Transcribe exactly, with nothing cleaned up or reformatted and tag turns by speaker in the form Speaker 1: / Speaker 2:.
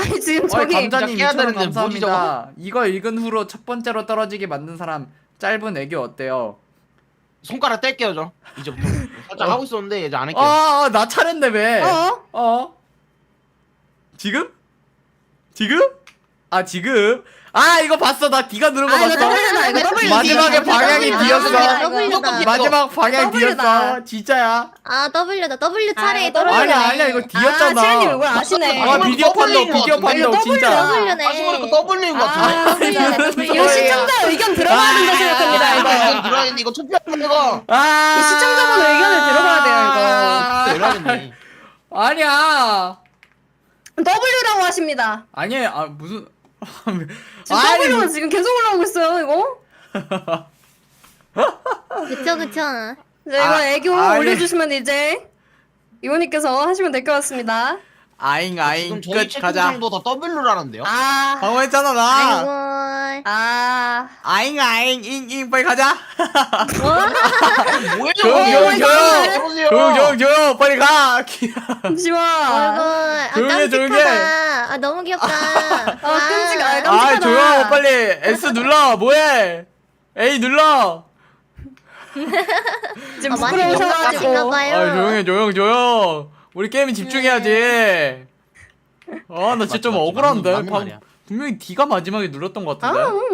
Speaker 1: 아니 지금
Speaker 2: 어이
Speaker 1: 저기
Speaker 2: 감자님
Speaker 3: 깨야
Speaker 2: 이천 원
Speaker 3: 되는데 뭐지,
Speaker 2: 감사합니다. 이거 읽은 후로 첫 번째로 떨어지게 만든 사람 짧은 애교 어때요?
Speaker 3: 손가락 뗄게요 저 이제부터. 살짝
Speaker 2: 어.
Speaker 3: 하고 있었는데 이제 안 할게요.
Speaker 2: 아, 나 차례인데 왜?
Speaker 1: 어?
Speaker 2: 어? 지금? 지금? 아 지금? 아 이거 봤어. 나 D가 누른 거
Speaker 1: 아 이거
Speaker 2: 봤어.
Speaker 1: W다 이거 W.
Speaker 2: 마지막에 방향이 D였어.
Speaker 3: W다.
Speaker 2: 마지막 방향
Speaker 1: W다.
Speaker 2: D였어. 진짜야.
Speaker 4: 아 W다. W 차례
Speaker 1: 아,
Speaker 4: 떨어지네.
Speaker 2: 아니야 아니야 이거
Speaker 1: 아
Speaker 2: D였잖아.
Speaker 1: 채연님 이걸 아시네.
Speaker 2: 아 비디오 판도
Speaker 3: W인 것
Speaker 2: 비디오
Speaker 3: 같은데?
Speaker 2: 판도
Speaker 1: 이거
Speaker 2: 진짜.
Speaker 4: W네.
Speaker 3: 다시 보니까 W인 것
Speaker 1: 아,
Speaker 3: 같은데.
Speaker 4: W네, W.
Speaker 1: 이거 시청자 의견 들어가야 된다 생각합니다 이거.
Speaker 3: 이거 들어야겠네. 이거 투표하는 거.
Speaker 2: 아
Speaker 1: 이 시청자분 의견을 들어봐야 돼요
Speaker 3: 내려야겠네.
Speaker 2: 아니야.
Speaker 1: 이거. W라고 하십니다.
Speaker 2: 아니에요. 아 무슨
Speaker 1: 지금
Speaker 2: 아니,
Speaker 1: W가
Speaker 2: 뭐-
Speaker 1: 지금 계속 올라오고 있어요 이거.
Speaker 4: 그쵸 그쵸.
Speaker 1: 자, 이거
Speaker 2: 아,
Speaker 1: 애교
Speaker 2: 아니.
Speaker 1: 올려주시면 이제 이모님께서 하시면 될 것 같습니다.
Speaker 2: 아잉 아잉
Speaker 3: 지금 저희
Speaker 2: 끝 가자.
Speaker 3: 채팅창도 다 W라는데요?
Speaker 1: 아,
Speaker 2: 방금 했잖아 나.
Speaker 4: 아이고.
Speaker 1: 아,
Speaker 2: 아잉 아잉 잉잉 빨리 가자.
Speaker 3: 뭐예요?
Speaker 2: 조용 조용 조용 조용 조용 조용 빨리 가.
Speaker 1: 잠시만.
Speaker 4: 아이고. 아
Speaker 2: 조용해, 조용해.
Speaker 4: 깜찍하다. 아 너무 귀엽다.
Speaker 1: 아, 끔찍, 아,
Speaker 2: 아
Speaker 1: 깜찍하다.
Speaker 2: 조용 빨리 S 눌러 뭐해? A 눌러.
Speaker 1: 지금
Speaker 4: 아, 많이
Speaker 1: 부끄러우셔가지고.
Speaker 4: 놀라가신가봐요.
Speaker 2: 아 조용해 조용 조용. 우리 게임에 집중해야지. 아 나 진짜 좀
Speaker 3: 맞지, 맞지.
Speaker 2: 억울한데.
Speaker 3: 맞는
Speaker 2: 방-
Speaker 3: 말이야.
Speaker 2: 분명히 D가 마지막에 눌렀던 것
Speaker 1: 아,
Speaker 2: 같은데.
Speaker 1: 음,